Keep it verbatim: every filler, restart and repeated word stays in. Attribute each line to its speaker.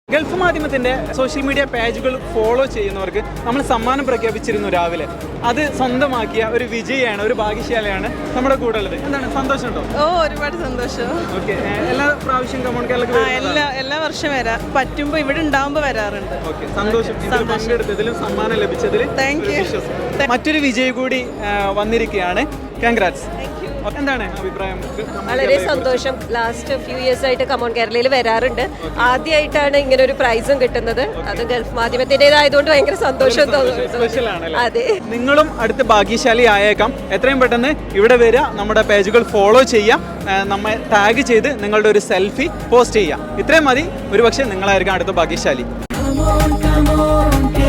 Speaker 1: Gulf മാധ്യമത്തിന്റെ social media പേജുകൾ follow ചെയ്യുന്നവർക്ക് നമ്മൾ സമ്മാനം പ്രഖ്യാപിച്ചിരുന്നു രാവിലെ. അത് സ്വന്തമാക്കിയ ഒരു വിജയാണ്, ഒരു ഭാഗ്യശാലയാണ് നമ്മുടെ കൂടെ ഉള്ളത്. എന്താണ് സന്തോഷമുണ്ടോ?
Speaker 2: ഓ, ഒരുപാട് സന്തോഷം.
Speaker 1: ഓക്കെ, എല്ലാ പ്രാവശ്യം കമോൺ കേരള
Speaker 2: എല്ലാ എല്ലാ വർഷം വരാം, പറ്റുമ്പോ ഇവിടെ ഉണ്ടാവുമ്പോ വരാറുണ്ട്.
Speaker 1: ഓക്കെ, സന്തോഷം. ഇതിൽ പങ്കെടുത്തതിലും സമ്മാനം ലഭിച്ചതിൽ
Speaker 2: താങ്ക് യു.
Speaker 1: മറ്റൊരു വിജയി കൂടി വന്നിരിക്കുകയാണ്. കൺഗ്രാറ്റ്സ്. എന്താണ് അഭിപ്രായം?
Speaker 3: വളരെ സന്തോഷം. ലാസ്റ്റ് ഫ്യൂ ഇയേഴ്സ് ആയിട്ട് കമോൺ കേരളയിൽ വരാറുണ്ട്. ആദ്യമായിട്ടാണ് ഇങ്ങനെ ഒരു പ്രൈസും കിട്ടുന്നത്. അത് ഗൾഫ് മാധ്യമത്തിൻ്റെതായതുകൊണ്ട് ഭയങ്കര സന്തോഷം തോന്നുന്നു. അതെ,
Speaker 1: നിങ്ങളും അടുത്ത ഭാഗ്യശാലി ആയേക്കാം. എത്രയും പെട്ടെന്ന് ഇവിടെ വരിക, നമ്മുടെ പേജുകൾ ഫോളോ ചെയ്യാം, നമ്മെ ടാഗ് ചെയ്ത് നിങ്ങളുടെ ഒരു സെൽഫി പോസ്റ്റ് ചെയ്യാം. ഇത്രയും മതി. ഒരുപക്ഷെ നിങ്ങളായിരിക്കും അടുത്ത ഭാഗ്യശാലി.